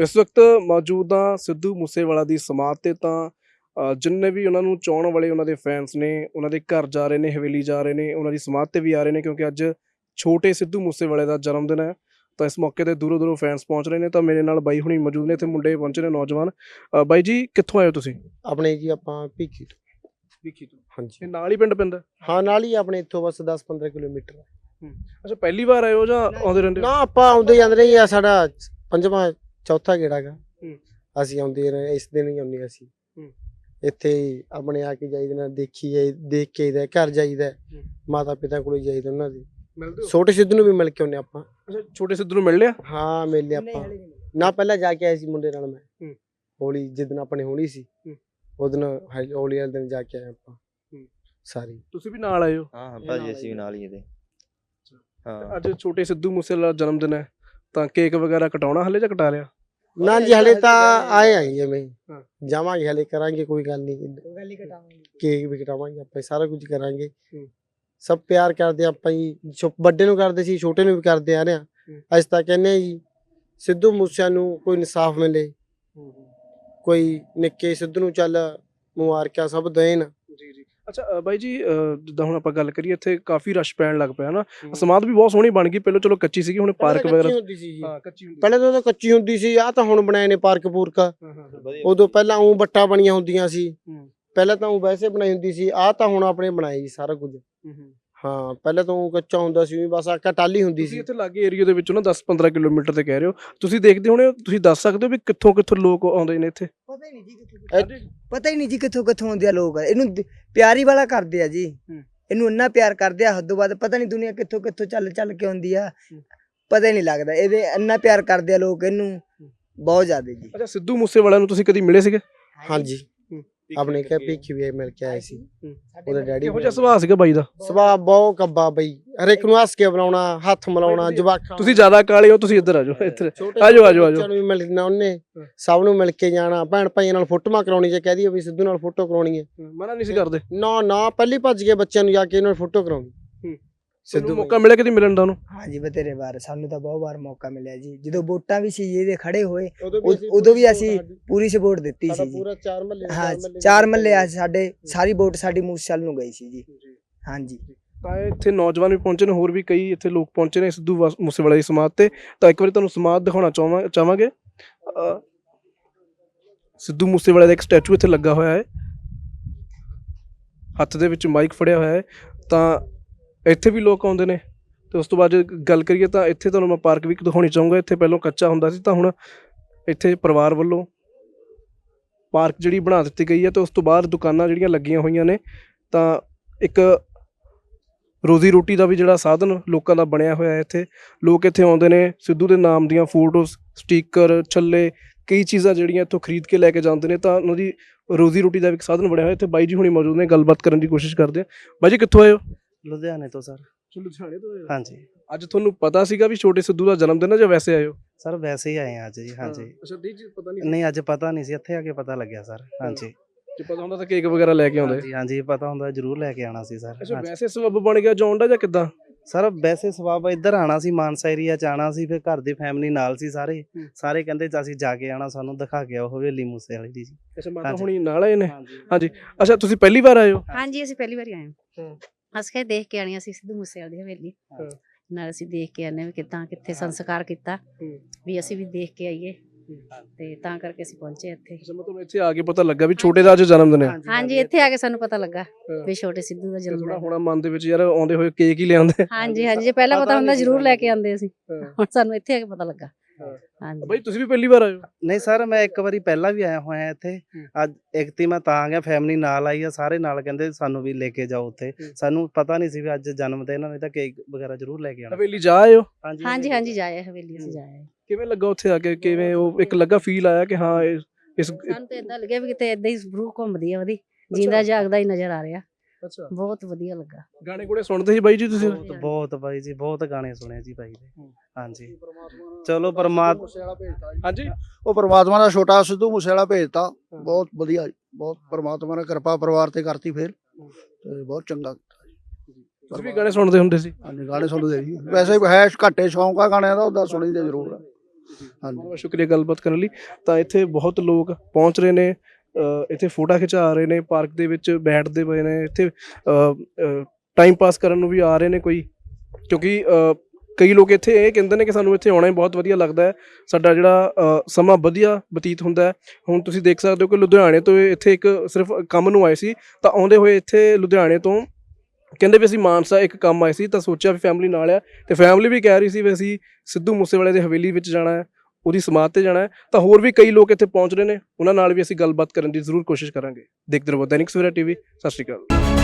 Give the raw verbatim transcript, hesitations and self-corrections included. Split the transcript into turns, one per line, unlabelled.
इस वक्त मौजूद हाँ सिद्धू मूसेवाला दी समाध ते तां अ, जिन्ने भी उन्होंने चाहण वाले उन्होंने फैंस ने उन्होंने घर जा रहे हैं, हवेली जा रहे हैं, उन्होंने समाध ते भी आ रहे हैं क्योंकि अज छोटे सिद्धू मूसेवाले का जन्मदिन है। तो इस मौके ते दूरों दूरों फैंस पहुंच रहे हैं। तो मेरे नाल बाई हुणी मौजूद ने, इत्थे मुंडे पहुंचे ने नौजवान। अ, बाई जी कित्थों आए हो तुसीं?
ਆਪਣੇ ਜੀ ਆਪਾਂ ਭੀਖੀ ਤੋਂ।
विखी तो
ਹਾਂਜੀ
नाल ही पिंड पैंदा?
ਹਾਂ ਨਾਲ ਹੀ ਆਪਣੇ ਇੱਥੋਂ ਬਸ दस पंद्रह किलोमीटर।
अच्छा पहली बार आए हो ਜਾਂ ਆਉਂਦੇ ਰਹਿੰਦੇ
ਨਾ ਆਪਾਂ ਆਉਂਦੇ ਜਾਂਦੇ ਰਹੇ ਆ, ਸਾਡਾ ਪੰਜਵਾਂ ਚੌਥਾ ਗੇੜਾ ਗਾ।
ਹੂੰ।
ਅਸੀਂ ਆਉਂਦੇ ਰਹੇ, ਇਸ ਦਿਨ ਹੀ ਆਉਂਦੇ ਅਸੀਂ
ਹੂੰ।
ਇੱਥੇ ਹੀ ਆਪਣੇ ਆ ਕੇ ਜਾਈਦਾ ਨਾ, ਦੇਖੀ ਜਾਈ ਦੇਖ ਕੇ ਆਈਦਾ, ਘਰ ਜਾਈਦਾ, ਮਾਤਾ ਪਿਤਾ ਕੋਲ ਜਾਈਦਾ ਉਹਨਾਂ ਦੇ।
ਮਿਲਦੇ ਹੋ?
ਛੋਟੇ ਸਿੱਧੂ ਨੂੰ ਵੀ ਮਿਲ ਕੇ ਆਉਂਦੇ ਆਪਾਂ।
ਅੱਛਾ ਛੋਟੇ ਸਿੱਧੂ ਨੂੰ ਮਿਲ ਲਿਆ?
ਹਾਂ ਮਿਲ ਲਿਆ ਆਪਾਂ ਨਾ, ਪਹਿਲਾਂ ਜਾ ਕੇ ਆਏ ਸੀ ਮੁੰਡੇ ਨਾਲ ਮੈਂ।
ਹੂੰ।
ਹੋਲੀ ਜਿੱਦਣ ਆਪਣੇ ਹੋਲੀ ਸੀ
ਹੂੰ।
ਉਦਨ ਹੋਲੀ ਵਾਲੇ ਦਿਨ ਜਾ ਕੇ ਆਏ ਆਪਾਂ
ਹੂੰ।
ਸਾਰੀ।
ਤੁਸੀਂ ਵੀ ਨਾਲ ਆਏ ਹੋ?
ਹਾਂ ਹਾਂ ਭਾਜੀ ਅਸੀਂ ਵੀ ਨਾਲ ਹੀ ਇਹਦੇ। ਹਾਂ
ਅੱਜ ਛੋਟੇ ਸਿੱਧੂ ਮੂਸੇਵਾਲਾ ਦਾ ਜਨਮ ਦਿਨ ਹੈ ਤਾਂ ਕੇਕ ਵਗੈਰਾ ਕਟਾਉਣਾ ਹਲੇ ਜਾਂ ਕਟਾ ਲਿਆ?
ਨਾ ਜੀ ਹਲੇ ਤਾਂ ਆਏ ਆਈ ਜਿਵੇਂ
ਹਾਂ।
ਜਾਵਾਂਗੇ, ਹਲੇ ਕਰਾਂਗੇ, ਕੋਈ ਗੱਲ ਨਹੀਂ, ਕੇਕ ਵੀ ਕਟਾਵਾਂਗੇ ਆਪਾਂ, ਸਾਰਾ ਕੁਝ ਕਰਾਂਗੇ।
ਹੂੰ।
ਸਭ ਪਿਆਰ ਕਰਦੇ ਆਪਾਂ ਜੀ, ਛੋ- ਵੱਡੇ ਨੂੰ ਕਰਦੇ ਸੀ, ਛੋਟੇ ਨੂੰ ਵੀ ਕਰਦੇ ਆ ਰਹੇ ਆ। ਅਸੀਂ ਤਾਂ ਕਹਿੰਦੇ ਆ ਜੀ ਸਿੱਧੂ ਮੂਸਿਆ ਨੂੰ ਕੋਈ ਇਨਸਾਫ ਮਿਲੇ, ਕੋਈ ਨਿੱਕੇ ਸਿੱਧੂ ਨੂੰ ਚੱਲ ਮੁਬਾਰਕਾਂ ਸਭ ਦੇਣ।
ਜੀ ਜੀ। ਅੱਛਾ ਅ, ਬਾਈ ਜੀ ਅ, ਜਿੱਦਾਂ ਹੁਣ ਆਪਾਂ ਗੱਲ ਕਰੀਏ ਇੱਥੇ ਕਾਫੀ ਰਸ਼ ਪੈਣ ਲੱਗ ਪਿਆ ਨਾ। ਸਮਾਧ ਵੀ ਬਹੁਤ ਸੋਹਣੀ ਬਣ ਗਈ, ਪਹਿਲਾਂ ਚਲੋ ਕੱਚੀ ਸੀਗੀ, ਹੁਣ ਪਾਰਕ ਵਗੈਰਾ
ਹੁੰਦੀ ਸੀ ਜੀ,
ਹਾਂ ਕੱਚੀ ਹੁੰਦੀ
ਪਹਿਲਾਂ ਤਾਂ ਉਦੋਂ ਕੱਚੀ ਹੁੰਦੀ ਸੀ, ਆ ਤਾਂ ਹੁਣ ਬਣਾਏ ਨੇ ਪਾਰਕ ਪੂਰਕ।
ਹਾਂ ਹਾਂ ਹਾਂ।
ਉਦੋਂ ਪਹਿਲਾਂ ਉਹ ਬੱਟਾਂ ਬਣੀਆਂ ਹੁੰਦੀਆਂ ਸੀ,
ਹੂੰ।
ਪਹਿਲਾਂ ਤਾਂ ਉਹ ਵੈਸੇ ਬਣਾਈ ਹੁੰਦੀ ਸੀ, ਆ ਤਾਂ ਹੁਣ ਆਪਣੇ ਬਣਾਏ ਜੀ ਸਾਰਾ ਕੁਝ।
ਹੂੰ ਹੂੰ।
ਹਾਂ ਪਹਿਲਾਂ ਤਾਂ ਉਹ ਕੱਚਾ ਹੁੰਦਾ ਸੀ, ਬਸ ਆਕਾ ਟਾਲੀ ਹੁੰਦੀ
ਤੁਸੀਂ
ਸੀ।
ਇੱਥੇ ਲਾਗੇ ਏਰੀਆ ਦੇ ਵਿੱਚੋਂ ਨਾ ਦਸ ਪੰਦਰਾਂ ਕਿਲੋਮੀਟਰ ਤੇ ਕਹਿ ਰਹੇ ਹੋ, ਤੁਸੀਂ ਦੇਖਦੇ ਹੋਣੇ ਹੋ, ਤੁਸੀਂ ਦੱਸ ਸਕਦੇ ਹੋ ਵੀ ਕਿੱਥੋਂ ਕਿੱਥੋਂ ਲੋਕ ਆਉਂਦੇ ਨੇ ਇੱਥੇ?
ਪਤਾ ਹੀ ਨਹੀਂ ਜੀ ਕਿੱਥੋਂ ਪਤਾ ਹੀ ਨਹੀਂ ਜੀ ਕਿੱਥੋਂ ਕਿੱਥੋਂ ਆਉਂਦੇ ਆ ਲੋਕ। ਇਹਨੂੰ ਦ- ਪਿਆਰੀ ਵਾਲਾ ਕਰਦੇ ਆ ਜੀ,
ਹੂੰ।
ਇਹਨੂੰ ਇੰਨਾ ਪਿਆਰ ਕਰਦੇ ਆ ਹੱਦੋਂ ਵੱਧ। ਪਤਾ ਨਹੀਂ ਦੁਨੀਆ ਕਿੱਥੋਂ ਕਿੱਥੋਂ ਚੱਲ ਚੱਲ ਕੇ ਆਉਂਦੀ ਆ, ਪਤਾ ਹੀ ਨਹੀਂ ਲੱਗਦਾ। ਇਹਦੇ ਇੰਨਾ ਪਿਆਰ ਕਰਦੇ ਆ ਲੋਕ ਇਹਨੂੰ, ਬਹੁਤ ਜ਼ਿਆਦਾ ਜੀ।
ਅੱਛਾ ਸਿੱਧੂ ਮੂਸੇਵਾਲਾ ਨੂੰ ਤੁਸੀਂ ਕਦੀ ਮਿਲੇ ਸੀਗੇ?
ਹਾਂਜੀ ਆਪਣੇ ਕੇ ਭੀਖੀ ਵੀ ਮਿਲ ਕੇ ਆਏ ਸੀ, ਉਹਦੇ ਡੈਡੀ।
ਕਿਹੋ ਜਿਹਾ ਸੁਭਾਅ ਸੀਗਾ ਬਾਈ ਦਾ?
ਸੁਭਾਅ ਬਹੁਤ ਕੱਬਾ ਬਈ, ਹਰੇਕ ਨੂੰ ਹੱਸ ਕੇ ਬੁਲਾਉਣਾ, ਹੱਥ ਮਿਲਾਉਣਾ, ਜਵਾਕਾਂ
ਤੁਸੀਂ ਜ਼ਿਆਦਾ ਕਾਲੇ ਹੋ, ਤੁਸੀਂ ਇੱਧਰ ਆ ਜਾਓ, ਇੱਧਰ
ਛੋਟੇ
ਆਜੋ ਆਜੋ ਆਜੋ।
ਬੱਚਿਆਂ ਨੂੰ ਵੀ ਮਿਲਣਾ ਉਹਨੇ, ਸਭ ਨੂੰ ਮਿਲ ਕੇ ਜਾਣਾ, ਭੈਣ ਭਾਈਆਂ ਨਾਲ ਫੋਟੋਆਂ ਕਰਾਉਣੀ, ਜੇ ਕਹਿ ਦਈਏ ਵੀ ਸਿੱਧੂ ਨਾਲ ਫੋਟੋ ਕਰਾਉਣੀ ਹੈ
ਮਨਾ ਨਹੀਂ ਸੀ ਕਰਦੇ?
ਨਾ ਨਾ, ਪਹਿਲੀ ਭੱਜ ਕੇ ਬੱਚਿਆਂ ਨੂੰ ਜਾ ਕੇ ਇਹਨਾਂ ਨਾਲ ਫੋਟੋ ਕਰਾਉਣੀ।
ਸਿੱਧੂ ਮੌਕਾ ਮਿਲਿਆ ਕਦੀ ਮਿਲਣ ਦਾ ਉਹਨੂੰ?
ਹਾਂਜੀ ਬਥੇਰੇ ਵਾਰ, ਸਾਨੂੰ ਤਾਂ ਬਹੁਤ ਵਾਰ ਮੌਕਾ ਮਿਲਿਆ ਜੀ। ਜਦੋਂ ਵੋਟਾਂ ਵੀ ਸੀ ਇਹਦੇ ਖੜੇ ਹੋਏ,
ਉਦੋਂ
ਉਦ- ਉਦੋਂ ਵੀ ਅਸੀਂ ਪੂਰੀ ਸਪੋਰਟ ਦਿੱਤੀ
ਸਾਡਾ
ਸੀ ਜੀ।
ਪੂਰਾ ਚਾਰ ਮਹੱਲੇ
ਹਾਂ ਚਾਰ ਮੱਲੇ ਆ ਸਾਡੇ, ਸਾਰੀ ਵੋਟ ਸਾਡੀ ਮੂਸੇਵਾਲੇ ਨੂੰ ਗਈ ਸੀ ਜੀ। ਹਾਂਜੀ
ਤਾਂ ਇੱਥੇ ਨੌਜਵਾਨ ਵੀ ਪਹੁੰਚੇ ਨੇ, ਹੋਰ ਵੀ ਕਈ ਇੱਥੇ ਲੋਕ ਪਹੁੰਚੇ ਨੇ ਸਿੱਧੂ ਵਾ- ਮੂਸੇਵਾਲੇ ਦੀ ਸਮਾਧ ਤੇ। ਤਾਂ ਇੱਕ ਵਾਰੀ ਤੁਹਾਨੂੰ ਸਮਾਧ ਦਿਖਾਉਣਾ ਚਾਹਾਂ ਚਾਹਾਂਗੇ। ਅ, ਸਿੱਧੂ ਮੂਸੇਵਾਲੇ ਦਾ ਇੱਕ ਸਟੈਚੂ ਇੱਥੇ ਲੱਗਾ ਹੋਇਆ ਹੈ, ਹੱਥ ਦੇ ਵਿੱਚ ਮਾਈਕ ਫੜਿਆ ਹੋਇਆ ਹੈ। ਤਾਂ ਇੱਥੇ ਵੀ ਲੋਕ ਆਉਂਦੇ ਨੇ। ਤੇ ਉਸ ਤੋਂ ਬਾਅਦ ਜੇ ਗੱਲ ਕਰੀਏ ਤਾਂ ਇੱਥੇ ਤੁਹਾਨੂੰ ਮੈਂ ਪਾਰਕ ਵੀ ਦਿਖਾਉਣੀ ਚਾਹੂੰਗਾ। ਇੱਥੇ ਪਹਿਲਾਂ ਕੱਚਾ ਹੁੰਦਾ ਸੀ, ਤਾਂ ਹੁਣ ਇੱਥੇ ਪਰਿਵਾਰ ਵੱਲੋਂ ਪਾਰਕ ਜਿਹੜੀ ਬਣਾ ਦਿੱਤੀ ਗਈ ਹੈ। ਤੇ ਉਸ ਤੋਂ ਬਾਅਦ ਦੁਕਾਨਾਂ ਜਿਹੜੀਆਂ ਲੱਗੀਆਂ ਹੋਈਆਂ ਨੇ, ਤਾਂ ਇੱਕ ਰੋਜ਼ੀ ਰੋਟੀ ਦਾ ਵੀ ਜਿਹੜਾ ਸਾਧਨ ਲੋਕਾਂ ਦਾ ਬਣਿਆ ਹੋਇਆ ਹੈ। ਇੱਥੇ ਲੋਕ ਇੱਥੇ ਆਉਂਦੇ ਨੇ, ਸਿੱਧੂ ਦੇ ਨਾਮ ਦੀਆਂ ਫੋਟੋਜ਼, ਸਟੀਕਰ, ਛੱਲੇ, ਕਈ ਚੀਜ਼ਾਂ ਜਿਹੜੀਆਂ ਇੱਥੋਂ ਖਰੀਦ ਕੇ ਲੈ ਕੇ ਜਾਂਦੇ ਨੇ। ਤਾਂ ਉਹਨਾਂ ਦੀ ਰੋਜ਼ੀ ਰੋਟੀ ਦਾ ਵੀ ਇੱਕ ਸਾਧਨ ਬਣਿਆ ਹੋਇਆ। ਇੱਥੇ ਬਾਈ ਜੀ ਹੁਣੀ ਮੌਜੂਦ ਨੇ, ਗੱਲਬਾਤ ਕਰਨ ਦੀ ਕੋਸ਼ਿਸ਼ ਕਰਦੇ ਆ। ਬਾਈ ਜੀ ਕਿੱਥੋਂ ਆਏ ਹੋ?
ਲੁਧਿਆਣੇ ਤੋਂ ਸਰ।
ਲੁਧਿਆਣੇ ਤੋਂ ਆਏ ਹੋ?
ਹਾਂਜੀ
ਅੱਜ ਤੁਹਾਨੂੰ ਪਤਾ ਸੀਗਾ ਵੀ ਛੋਟੇ ਸਿੱਧੂ ਦਾ ਜਨਮ ਦਿਨ ਹੈ ਜਾਂ ਵੈਸੇ ਆਏ ਹੋ?
ਸਰ ਵੈਸੇ ਹੀ ਆਏ ਆ ਅੱਜ ਜੀ। ਹਾਂਜੀ
ਅੱਛਾ ਨਹੀਂ ਜੀ ਪਤਾ ਨਹੀਂ
ਨਹੀਂ ਅੱਜ ਪਤਾ ਨਹੀਂ ਸੀ, ਇੱਥੇ ਆ ਕੇ ਪਤਾ ਲੱਗਿਆ ਸਰ। ਹਾਂਜੀ
ਜੇ ਪਤਾ ਹੁੰਦਾ ਤਾਂ ਕੇਕ ਵਗੈਰਾ ਲੈ ਕੇ ਆਉਂਦੇ।
ਹਾਂਜੀ ਹਾਂਜੀ ਪਤਾ ਹੁੰਦਾ ਜ਼ਰੂਰ ਲੈ ਕੇ ਆਣਾ ਸੀ ਸਰ।
ਅੱਛਾ
ਹਾਂਜੀ।
ਵੈਸੇ ਸਬੱਬ ਬਣ ਗਿਆ ਜੌਨ ਦਾ ਜਾਂ ਕਿੱਦਾਂ?
ਸਰ ਵੈਸੇ ਸਵਾਬ ਇੱਧਰ ਆਣਾ ਸੀ, ਮਾਨਸਾ ਏਰੀਆ ਚ ਆਣਾ ਸੀ, ਫਿਰ ਘਰ ਦੀ ਫੈਮਿਲੀ ਨਾਲ ਸੀ ਸਾਰੇ।
ਹੂੰ।
ਸਾਰੇ ਕਹਿੰਦੇ ਅਸੀਂ ਜਾ ਕੇ ਆਣਾ, ਸਾਨੂੰ ਦਿਖਾ ਕੇ ਆਓ ਹਵੇਲੀ ਮੂਸੇ ਵਾਲੀ ਦੀ ਜੀ।
ਅੱਛਾ ਮਾਤਾ
ਹਾਂਜੀ।
ਹੁਣੀ ਨਾਲ ਆਏ ਨੇ?
ਹਾਂਜੀ
ਹਾਂਜੀ। ਅੱਛਾ ਤੁਸੀਂ ਪਹਿਲੀ ਵਾਰ ਆਏ ਹੋ?
ਹਾਂਜੀ ਅਸੀਂ ਪਹਿਲੀ ਵਾਰੀ ਆਏ ਹਾਂ।
ਹੂੰ।
ਅਸੀਂ ਕਿਹਾ ਦੇਖ ਕੇ ਆਣੀ, ਅਸੀਂ ਸਿੱਧੂ ਮੂਸੇਵਾਲੇ ਦੀ ਹਵੇਲੀ
ਹਾਂ।
ਨਾਲ ਅਸੀਂ ਦੇਖ ਕੇ ਆਨੇ ਵੀ ਕਿੱਦਾਂ ਕਿੱਥੇ ਸੰਸਕਾਰ ਕੀਤਾ,
ਹੂੰ।
ਵੀ ਅਸੀਂ ਵੀ ਦੇਖ ਕੇ ਆਈਏ, ਤੇ ਤਾਂ ਕਰਕੇ ਅਸੀਂ ਪਹੁੰਚੇ ਇੱਥੇ।
ਅੱਛਾ ਮਤਲਬ ਇੱਥੇ ਆ ਕੇ ਪਤਾ ਲੱਗਾ ਵੀ ਛੋਟੇ ਦਾ ਅੱਜ ਜਨਮ ਦਿਨ ਹੈ।
ਹਾਂਜੀ ਇੱਥੇ ਆ ਕੇ ਸਾਨੂੰ ਪਤਾ ਲੱਗਾ
ਹਾਂ।
ਵੀ ਛੋਟੇ ਸਿੱਧੂ ਦਾ ਜਨਮ
ਥੋੜਾ
ਦਿਨ।
ਹੋਣਾ ਮਨ ਦੇ ਵਿੱਚ ਯਾਰ, ਆਉਂਦੇ ਹੋਏ ਕੇਕ ਹੀ ਲਿਆਉਂਦੇ।
ਹਾਂਜੀ ਹਾਂਜੀ ਜੇ ਪਹਿਲਾਂ
ਪਤਾ
ਪਤਾ ਹੁੰਦਾ
ਨਹੀਂ ਸੀ
ਜ਼ਰੂਰ ਲੈ
ਸਾਨੂੰ।
ਕੇ ਆਂਦੇ ਅਸੀਂ,
ਹਾਂ।
ਹੁਣ ਸਾਨੂੰ ਇੱਥੇ ਆ ਕੇ ਪਤਾ ਲੱਗਾ।
ਹਾਂ।
ਹਾਂਜੀ
ਬਾਈ ਤੁਸੀਂ ਵੀ ਪਹਿਲੀ ਵਾਰ ਆਏ ਹੋ?
ਨਹੀਂ ਸਰ ਮੈਂ ਇੱਕ ਵਾਰੀ ਪਹਿਲਾਂ ਵੀ ਆਇਆ ਹੋਇਆ ਇੱਥੇ।
ਹੂੰ।
ਅੱਜ ਇੱਕ ਤੀ ਮੈਂ ਤਾਂ ਆ ਗਿਆ, ਫੈਮਿਲੀ ਨਾਲ ਆਈ ਆ, ਸਾਰੇ ਨਾਲ ਕਹਿੰਦੇ ਸਾਨੂੰ ਵੀ ਲੈ ਕੇ ਜਾਓ ਉੱਥੇ।
ਹੂੰ। ਸਾਨੂੰ
ਸਾਨੂੰ ਪਤਾ ਨਹੀਂ ਸੀ ਵੀ ਅੱਜ ਜਨਮ ਦਿਨ ਹੈ, ਤਾਂ ਕੇਕ ਵਗੈਰਾ ਜ਼ਰੂਰ ਲੈ ਕੇ ਆਣਾ।
ਹਵੇਲੀ ਜਾ ਆਏ ਹੋ?
ਹਾਂਜੀ ਹਾਂਜੀ ਜਾਏ ਹਵੇਲੀ ਅਸੀਂ ਜਾਏ।
ਕਿਵੇਂ ਲੱਗਾ ਉੱਥੇ ਆ ਕੇ? ਕਿਵੇਂ ਉਹ ਇੱਕ ਲੱਗਾ ਫੀਲ ਆਇਆ ਕਿ ਹਾਂ ਇਹ- ਇਸ
ਸਾਨੂੰ ਤਾਂ ਏਦਾਂ ਲੱਗਿਆ ਵੀ ਕਿਤੇ ਏਦਾਂ ਹੀ ਰੂਹ ਘੁੰਮਦੀ ਆ ਉਹਦੀ, ਜਿੰਦਾ ਜਾਗਦਾ ਹੀ ਨਜ਼ਰ ਆ ਰਿਹਾ।
ਅੱਛਾ
ਬਹੁਤ ਵਧੀਆ ਲੱਗਾ।
ਗਾਣੇ ਗੁਣੇ ਸੁਣਦੇ ਸੀ ਬਾਈ ਜੀ ਤੁਸੀਂ?
ਬਹੁਤ ਬਹੁਤ ਬਾਈ ਜੀ, ਬਹੁਤ ਗਾਣੇ ਸੁਣੇ ਜੀ ਬਾਈ ਦੇ। ਹਾਂਜੀ ਚਲੋ ਪਰਮਾਤਮਾ।
ਹਾਂਜੀ
ਉਹ ਪਰਮਾਤਮਾ ਦਾ ਛੋਟਾ ਸਿੱਧੂ ਮੂਸੇਵਾਲਾ ਭੇਜਤਾ, ਬਹੁਤ ਵਧੀਆ ਜੀ, ਬਹੁਤ ਪਰਮਾਤਮਾ ਨੇ ਕਿਰਪਾ ਪਰਿਵਾਰ ਤੇ ਕਰਤੀ, ਫਿਰ ਤੇ ਬਹੁਤ ਚੰਗਾ।
ਤੁਸੀਂ ਵੀ ਗਾਣੇ ਸੁਣਦੇ ਹੁੰਦੇ ਸੀ?
ਹਾਂਜੀ ਗਾਣੇ ਸੁਣਦੇ ਜੀ, ਵੈਸੇ ਹੈ ਘੱਟੇ ਸ਼ੌਂਕ ਆ ਗਾਣਿਆਂ ਦਾ, ਉਹਦਾ ਸੁਣੀ ਦੇ ਜ਼ਰੂਰ ਆ। ਹਾਂਜੀ
ਬਹੁਤ ਸ਼ੁਕਰੀਆ ਗੱਲਬਾਤ ਕਰਨ ਲਈ। ਤਾਂ ਇੱਥੇ ਬਹੁਤ ਲੋਕ ਪਹੁੰਚ ਰਹੇ ਨੇ, ਅ, ਇੱਥੇ ਫੋਟੋ ਖਿਚਾ ਰਹੇ ਨੇ, ਪਾਰਕ ਦੇ ਵਿੱਚ ਬੈਠਦੇ ਪਏ ਨੇ, ਇੱਥੇ ਟਾਈਮ ਪਾਸ ਕਰਨ ਨੂੰ ਵੀ ਆ ਰਹੇ ਨੇ ਕੋਈ, ਕਿਉਂਕਿ ਅ, ਕਈ ਲੋਕ ਇੱਥੇ ਇਹ ਕਹਿੰਦੇ ਨੇ ਕਿ ਸਾਨੂੰ ਇੱਥੇ ਆਉਣਾ ਹੀ ਬਹੁਤ ਵਧੀਆ ਲੱਗਦਾ ਹੈ, ਸਾਡਾ ਜਿਹੜਾ ਅ, ਸਮਾਂ ਵਧੀਆ ਬਤੀਤ ਹੁੰਦਾ ਹੈ। ਹੁਣ ਤੁਸੀਂ ਦੇਖ ਸਕਦੇ ਹੋ ਕਿ ਲੁਧਿਆਣੇ ਤੋਂ ਇਹ ਇੱਥੇ ਇੱਕ ਸਿਰਫ ਕੰਮ ਨੂੰ ਆਏ ਸੀ, ਤਾਂ ਆਉਂਦੇ ਹੋਏ ਇੱਥੇ ਲੁਧਿਆਣੇ ਤੋਂ ਕਹਿੰਦੇ ਵੀ ਅਸੀਂ ਮਾਨਸਾ ਇੱਕ ਕੰਮ ਆਏ ਸੀ, ਤਾਂ ਸੋਚਿਆ ਵੀ ਫੈਮਿਲੀ ਨਾਲ ਆ, ਤੇ ਫੈਮਿਲੀ ਵੀ ਕਹਿ ਰਹੀ ਸੀ ਵੀ ਅਸੀਂ ਸਿੱਧੂ ਮੂਸੇਵਾਲੇ ਦੀ ਹਵੇਲੀ ਵਿੱਚ ਜਾਣਾ ਹੈ, ਉਹਦੀ ਸਮਾਧ ਤੇ ਜਾਣਾ ਹੈ। ਤਾਂ ਹੋਰ ਵੀ ਕਈ ਲੋਕ ਇੱਥੇ ਪਹੁੰਚ ਰਹੇ ਨੇ, ਉਹਨਾਂ ਨਾਲ ਵੀ ਅਸੀਂ ਗੱਲਬਾਤ ਕਰਨ ਦੀ ਜ਼ਰੂਰ ਕੋਸ਼ਿਸ਼ ਕਰਾਂਗੇ। ਦੇਖਦੇ ਰਹੋ ਦੈਨਿਕ ਸਵੇਰਾ ਟੀਵੀ। ਸਤਿ ਸ਼੍ਰੀ ਅਕਾਲ।